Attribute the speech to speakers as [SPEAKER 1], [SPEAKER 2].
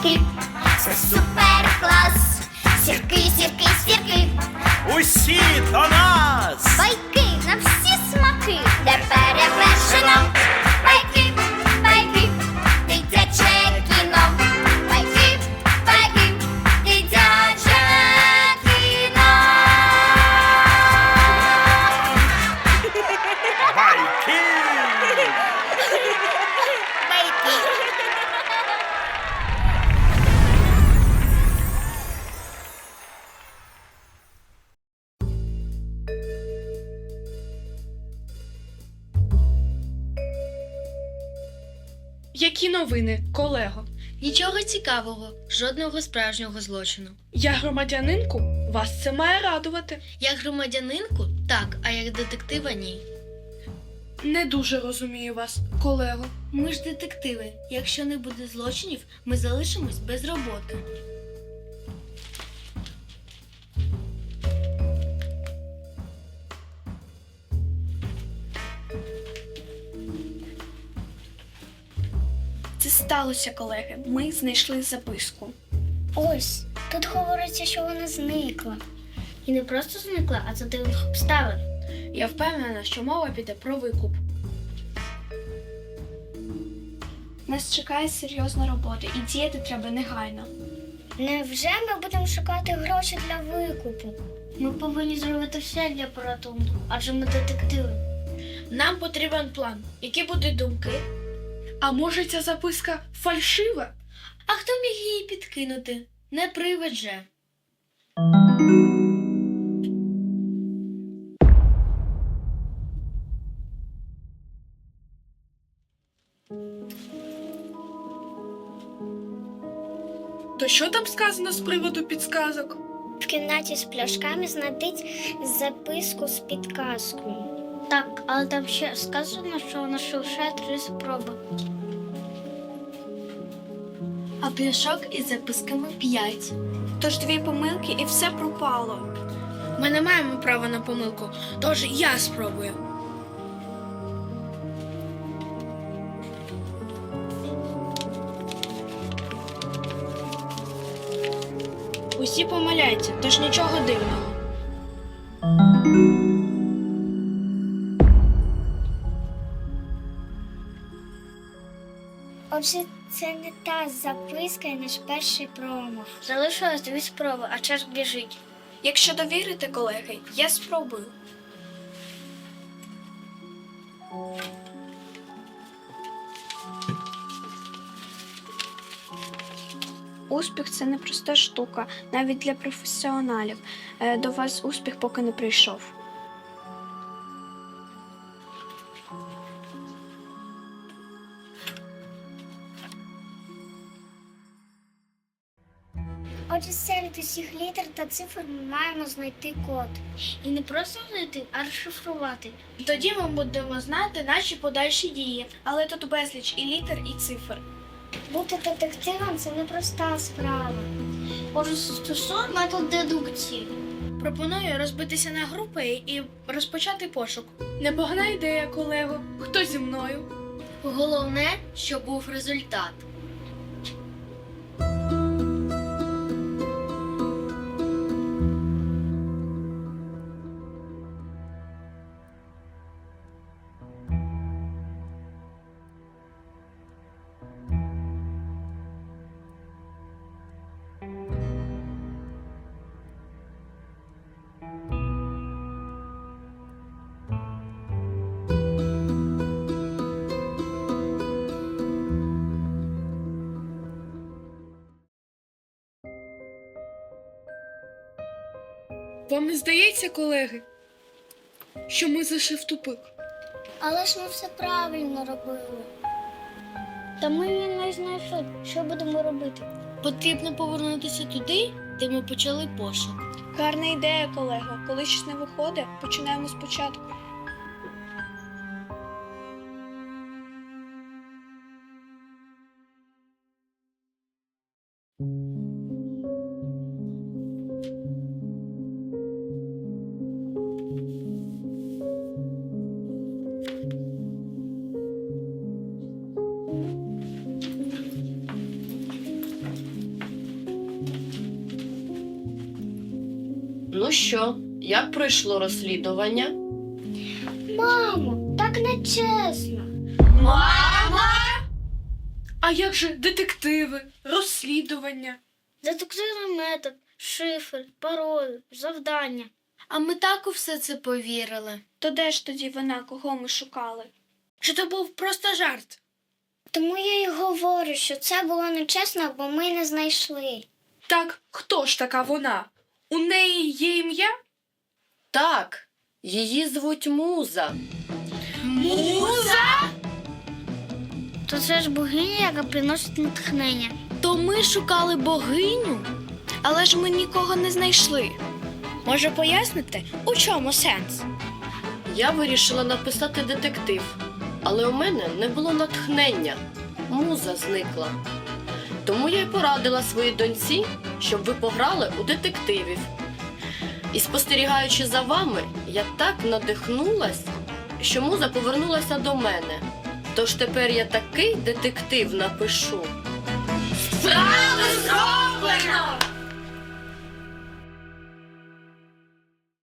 [SPEAKER 1] сірки, це супер клас. Сірки, сірки, сірки,
[SPEAKER 2] Усі до нас!
[SPEAKER 1] байки на всі смаки, де перевершено. Байки, байки, дитяче кіно. Байки, байки, дитяче кіно.
[SPEAKER 2] Байки!
[SPEAKER 3] Які новини, колего?
[SPEAKER 4] Нічого цікавого, жодного справжнього злочину.
[SPEAKER 3] Я громадянинку? Вас це має радувати.
[SPEAKER 4] Як громадянинку – так, а як детектива – ні.
[SPEAKER 3] Не дуже розумію вас, колего.
[SPEAKER 4] Ми ж детективи. Якщо не буде злочинів, ми залишимось без роботи.
[SPEAKER 5] Це сталося, колеги. Ми знайшли записку.
[SPEAKER 1] Ось, тут говориться, що вона зникла. І не просто зникла, а за дивних обставин.
[SPEAKER 5] Я впевнена, що мова піде про викуп. Нас чекає серйозна робота і діяти треба негайно.
[SPEAKER 1] Невже ми будемо шукати гроші для викупу? Ми повинні зробити все для порятунку, адже ми детективи.
[SPEAKER 4] Нам потрібен план. Які будуть думки?
[SPEAKER 3] А може ця записка фальшива?
[SPEAKER 4] А хто міг її підкинути? Не привид же.
[SPEAKER 3] То що там сказано з приводу підсказок?
[SPEAKER 1] В кімнаті з пляшками знайдіть записку з підказкою. Так, але там ще сказано, що вона лише 3 спроби.
[SPEAKER 4] А пляшок із записками 5.
[SPEAKER 5] Тож 2 помилки і все пропало.
[SPEAKER 4] Ми не маємо права на помилку, тож я спробую. Усі помиляються, тож нічого дивного.
[SPEAKER 1] Отже, це не та записка і наш перший промах. Залишилось 2 спроби, а час біжить.
[SPEAKER 5] Якщо довірите, колеги, я спробую. Успіх – це непроста штука, навіть для професіоналів. До вас успіх поки не прийшов.
[SPEAKER 1] Отже, серед усіх літер та цифр ми маємо знайти код. І не просто знайти, а розшифрувати.
[SPEAKER 4] Тоді ми будемо знати наші подальші дії.
[SPEAKER 5] Але тут безліч і літер, і цифр.
[SPEAKER 1] Бути детективом – це непроста справа. Отже, застосуй метод дедукції.
[SPEAKER 4] Пропоную розбитися на групи і розпочати пошук.
[SPEAKER 3] Непогана ідея, колего. Хто зі мною?
[SPEAKER 4] Головне, щоб був результат.
[SPEAKER 3] Вам не здається, колеги, що ми зайшли в тупик?
[SPEAKER 1] Але ж ми все правильно робили. Та ми її не знайшли. Що будемо робити?
[SPEAKER 4] Потрібно повернутися туди, де ми почали пошук.
[SPEAKER 5] Гарна ідея, колего. Коли щось не виходить, починаємо спочатку.
[SPEAKER 6] Ну що, як пройшло розслідування?
[SPEAKER 1] Мамо, так не чесно.
[SPEAKER 3] А як же детективи, розслідування?
[SPEAKER 1] Детективний метод, шифр, пароль, завдання.
[SPEAKER 4] А ми так у все це повірили.
[SPEAKER 5] То де ж тоді вона, кого ми шукали?
[SPEAKER 3] Чи то був просто жарт?
[SPEAKER 1] Тому я й говорю, що це було нечесно, бо ми не знайшли.
[SPEAKER 3] Так, хто ж така вона? У неї є ім'я?
[SPEAKER 6] Так, її звуть Муза.
[SPEAKER 1] То це ж богиня, яка приносить натхнення.
[SPEAKER 4] То ми шукали богиню?
[SPEAKER 5] Але ж ми нікого не знайшли. Може поясните, у чому сенс?
[SPEAKER 6] Я вирішила написати детектив, але у мене не було натхнення. Муза зникла. Тому я й порадила своїй доньці, щоб ви пограли у детективів. І спостерігаючи за вами, я так надихнулась, що муза повернулася до мене. Тож тепер я такий детектив напишу.
[SPEAKER 4] Справи зроблено!